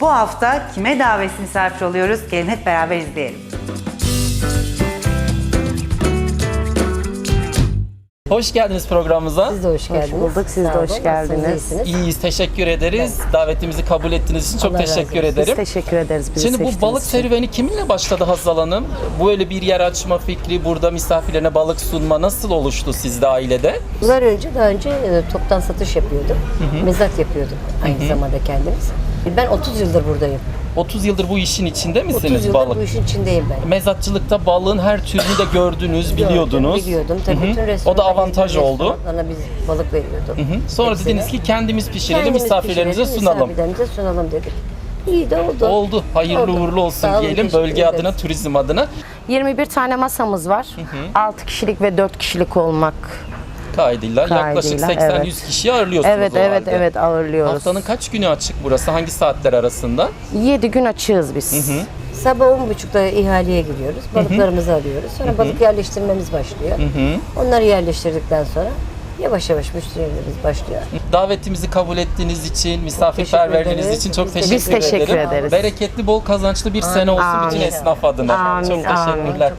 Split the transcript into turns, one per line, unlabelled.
Bu hafta kime davetsiz misafir oluyoruz? Gelin hep beraber izleyelim.
Hoş geldiniz programımıza.
Siz de hoş geldiniz.
Hoş bulduk, siz de
Sağ olun,
hoş geldiniz.
nasılsınız, iyisiniz?
İyiyiz, teşekkür ederiz. Davetimizi kabul ettiğiniz için çok
Allah razı
teşekkür
olsun.
ederim.
Biz teşekkür ederiz bizi
Şimdi bu
seçtiğiniz
balık
için.
serüveni kiminle başladı Hazal Hanım? Böyle bir yer açma fikri, burada misafirlerine balık sunma nasıl oluştu sizde ailede?
Daha önce toptan satış yapıyordum. Mezat yapıyordum aynı zamanda kendimiz. Ben 30 yıldır buradayım.
30 yıldır bu işin içinde
30
misiniz
yıldır
balık?
bu işin içindeyim ben.
Mezatçılıkta balığın her türünü de gördünüz, biliyordunuz.
Biliyordum. Tabii bütün
O da
restoranlar,
avantaj oldu.
restoranlarına biz balık veriyordum.
Sonra
Hepsine.
dediniz ki kendimiz pişirelim,
Kendimiz
misafirlerimize
pişirelim,
sunalım.
Misafirlerimize sunalım dedik. İyi de oldu.
Oldu. Hayırlı
Oldu.
uğurlu olsun
Sağ olun,
diyelim
teşekkür
bölge
ederiz.
adına, turizm adına.
21 tane masamız var. 6 kişilik ve 4 kişilik olmak
Kaydıyla yaklaşık
kaydıyla,
80-100
evet.
kişiyi ağırlıyorsunuz o halde.
Evet ağırlıyoruz.
Haftanın kaç günü açık burası? Hangi saatler arasında?
7 gün açığız biz.
Sabah 10.30'da ihaleye giriyoruz. Balıklarımızı alıyoruz. Sonra balık yerleştirmemiz başlıyor. Onları yerleştirdikten sonra yavaş yavaş müşterilerimiz başlıyor.
Davetimizi kabul ettiğiniz için, misafirperverliğiniz
ederiz.
için çok
Biz
teşekkür,
teşekkür
ederim.
ederiz.
Bereketli, bol kazançlı bir sene olsun bütün
Amin.
esnaf adına.
Amin,
Çok teşekkürler.